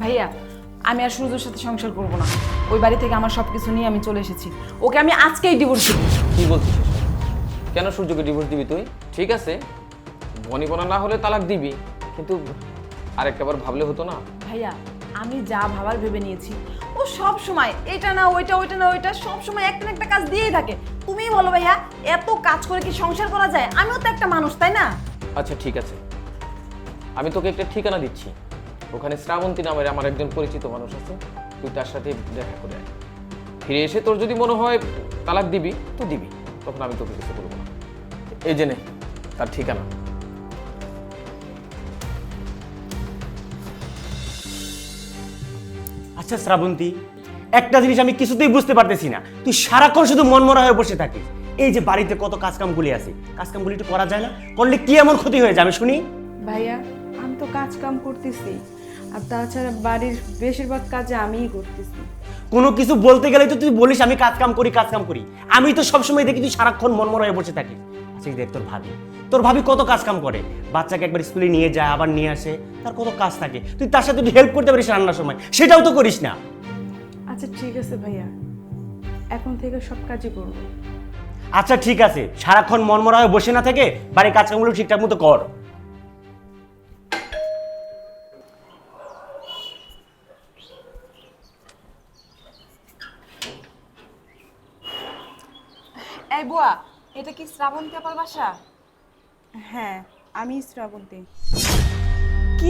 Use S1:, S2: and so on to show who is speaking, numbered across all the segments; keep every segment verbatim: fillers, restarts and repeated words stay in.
S1: ভাইয়া আমি আর সূর্যের সাথে সংসার করব না। ওই বাড়ি থেকে আমার সব কিছু নিয়ে আমি চলে এসেছি। ওকে আমি আজকেই ডিভোর্স দেব।
S2: কি বলছিস? কেন সূর্যকে ডিভোর্স দিবি তুই? ঠিক আছে, বনিবনা না হলে তালাক দিবি, কিন্তু আরেকটাবার ভাবলে হতো না?
S1: ভাইয়া আমি যা ভাবার ভেবে নিয়েছি। ও সব সময় এটা না ওইটা, ওইটা না ওইটা, সব সময় একটা না একটা কাজ দিয়েই থাকে। তুমিই বলো ভাইয়া, এত কাজ করে কি সংসার করা যায়? আমিও তো একটা মানুষ, তাই না?
S2: আচ্ছা ঠিক আছে, আমি তোকে একটা ঠিকানা দিচ্ছি। ওখানে শ্রাবন্তী নামের আমার একজন পরিচিত মানুষ আছে, তুই তার সাথে দেখা করে আয়। ফিরে এসে তোর যদি মনে হয় তালাক দিবি তো দিবি, তখন আমি তোকে কিছু বলবো না। এই জেনে তার ঠিকানা।
S3: আচ্ছা শ্রাবন্তী, একটা জিনিস আমি কিছুতেই বুঝতে পারতেছি না, তুই সারাক্ষণ শুধু মনমরা হয়ে বসে থাকিস। এই যে বাড়িতে কত কাজকামগুলি আছে, কাজকামগুলি একটু করা যায় না? করলে কি এমন ক্ষতি হয়ে যাবে শুনি?
S4: ভাইয়া আমি তো কাজ কাম করতেছি, আর তাছাড়া বাড়ির বেশিরভাগ কাজে আমিই করতেছি।
S3: কোনো কিছু বলতে গেলে তো তুই বলিস আমি কাজ কাম করি কাজ কাম করি। আমি তো সবসময় দেখি তুই সারাক্ষণ মনমরা হয়ে বসে থাকিস। আচ্ছা দেখ তোর ভাবি, তোর ভাবি কত কাজ কাম করে, বাচ্চাকে একবার স্কুলে নিয়ে যায় আবার নিয়ে আসে, তার কত কাজ থাকে। তুই তার সাথে হেল্প করতে পারিস রান্নার সময়, সেটাও তো করিস না।
S4: আচ্ছা ঠিক আছে ভাইয়া, এখন থেকে সব কাজই করবো।
S3: আচ্ছা ঠিক আছে, সারাক্ষণ মনমরা হয়ে বসে না থেকে বাড়ির কাজকামগুলো ঠিকঠাক মতো কর।
S1: এই বুয়া, এটা কি শ্রাবন্তী আপার বাসা?
S4: হ্যাঁ আমি শ্রাবন্তী।
S1: কি?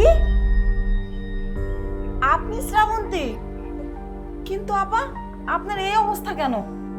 S1: আপনি শ্রাবন্তী? কিন্তু আপা আপনার এই অবস্থা কেন?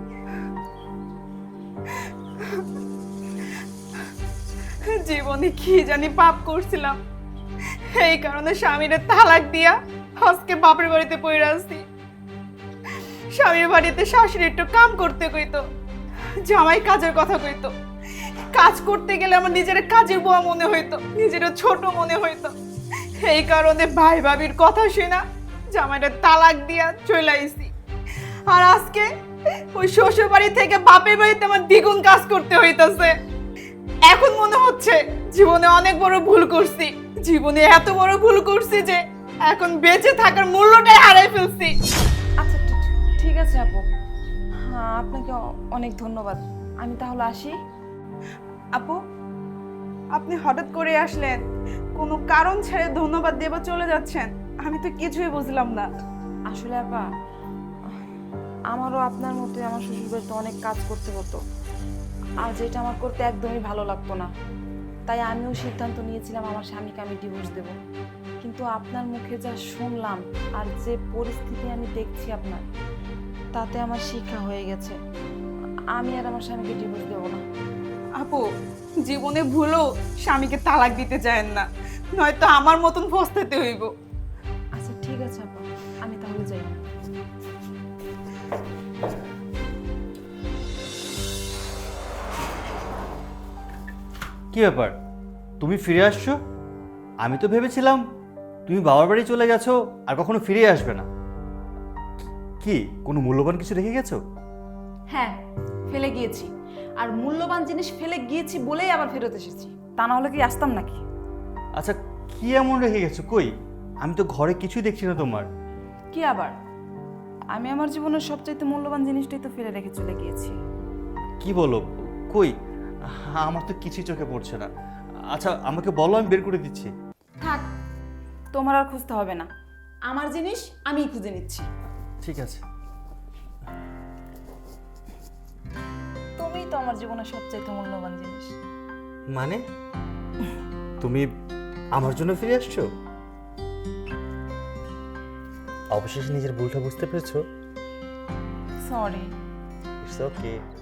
S4: জীবনে কি জানি পাপ করছিলাম, এই কারণে স্বামীরে তালাক দিয়া আজকে বাপের বাড়িতে পড়ে আসছি। স্বামীর বাড়িতে শাশুড়ি একটু কাম করতে কইতো, জামাই কাজের কথা কইতো। কাজ করতে গেলে আমার নিজের কাজের বুয়া মনে হইতো, নিজের ছোট মনে হইতো। এই কারণে ভাই ভাবির কথা শুনা জামাইটা তালাক দিয়া চলে আইছি। আর আজকে ওই শ্বশুর বাড়ি থেকে বাপের বাড়িতে আমার দ্বিগুণ কাজ করতে হইতাছে। এখন মনে হচ্ছে জীবনে অনেক বড় ভুল করছি, জীবনে এত বড় ভুল করছি যে এখন বেঁচে থাকার মূল্যটাই হারাই ফেলছি।
S1: আচ্ছা ঠিক- ঠিক আছে আপু, হ্যাঁ আপনাকে অ- অনেক ধন্যবাদ। আমি তাহলে আসি।
S4: আপু আপনি হঠাৎ করে আসলেন, কোনো কারণ ছেড়ে ধন্যবাদ দেবা চলে যাচ্ছেন, আমি তো কিছুই বুঝলাম না।
S1: আসলে আপা আমারও আপনার মতোই আমার শ্বশুরবাড়িতে অনেক কাজ করতে হতো, আর যেটা আমার করতে একদমই ভালো লাগতো না। তাই আমিও সিদ্ধান্ত নিয়েছিলাম আমার স্বামীকে আমি ডিভোর্স দেব। কিন্তু আপনার মুখে যা শুনলাম আর যে পরিস্থিতি আমি দেখছি আপনার, তাতে আমার শিক্ষা হয়ে গেছে। আমি আর আমার স্বামীকে ডিভোর্স দেবো না।
S4: আপু জীবনে ভুলও স্বামীকে তালাক দিতে চায়েন না, নয়তো আমার মতন পস্তাতে হইব।
S1: আচ্ছা ঠিক আছে আপা, আমি তাহলে যাই।
S5: কি ব্যাপার, তুমি ফিরে আসছো? আমি তো ভেবেছিলাম তুমি বাবার বাড়ি চলে গেছো আর কখনো ফিরে আসবে না। কি কোনো মূল্যবান কিছু রেখে গেছো?
S1: হ্যাঁ ফেলে গিয়েছি, আর মূল্যবান জিনিস ফেলে গিয়েছি বলেই আবার ফেরত এসেছি। তা না হলে কি আসতাম নাকি?
S5: আচ্ছা কি এমন রেখে গেছো? কই, আমি তো ঘরে কিছুই দেখছি না তোমার।
S1: কি আবার? আমি আমার জীবনের সবচাইতে মূল্যবান জিনিসটাই তো ফেলে রেখে চলে গিয়েছি।
S5: কি বলো? কই, আমার তো কিছুই চোখে পড়ছে না। আচ্ছা আমাকে বলো, আমি বের করে দিচ্ছি।
S1: থাক, তোমার আর খুঁজতে হবে না, আমার জিনিস আমিই খুঁজে নিচ্ছি।
S5: ঠিক আছে।
S1: তুমিই তো আমার জীবনের সবচাইতে মূল্যবান জিনিস।
S5: মানে তুমি আমার জন্য ফিরে আসছো? অবশেষে নিজের ভুলটা বুঝতে পেরেছো?
S1: সরি।
S5: It's okay.